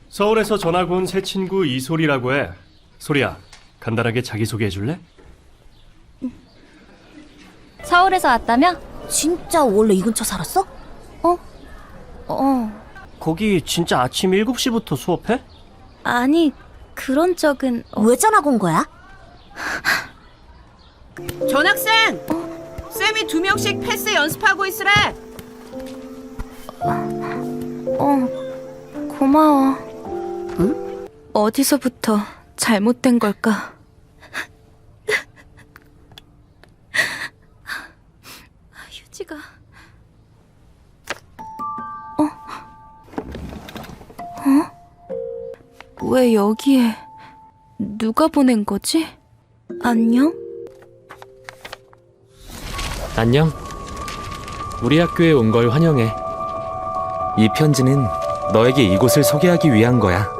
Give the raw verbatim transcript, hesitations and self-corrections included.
서울에서 전학 온 새 친구 이소리라고 해. 소리야, 간단하게 자기소개해 줄래? 서울에서 왔다며? 진짜 원래 이 근처 살았어? 어? 어. 거기 진짜 아침 일곱 시부터 수업해? 아니, 그런 적은... 어. 왜 전학 온 거야? 전학생! 쌤이 두 명씩 패스 연습하고 있으래! 어, 고마워. 응? 어디서부터 잘못된 걸까? 휴지가... 어? 어? 왜 여기에... 누가 보낸 거지? 안녕? 안녕. 우리 학교에 온 걸 환영해. 이 편지는 너에게 이곳을 소개하기 위한 거야.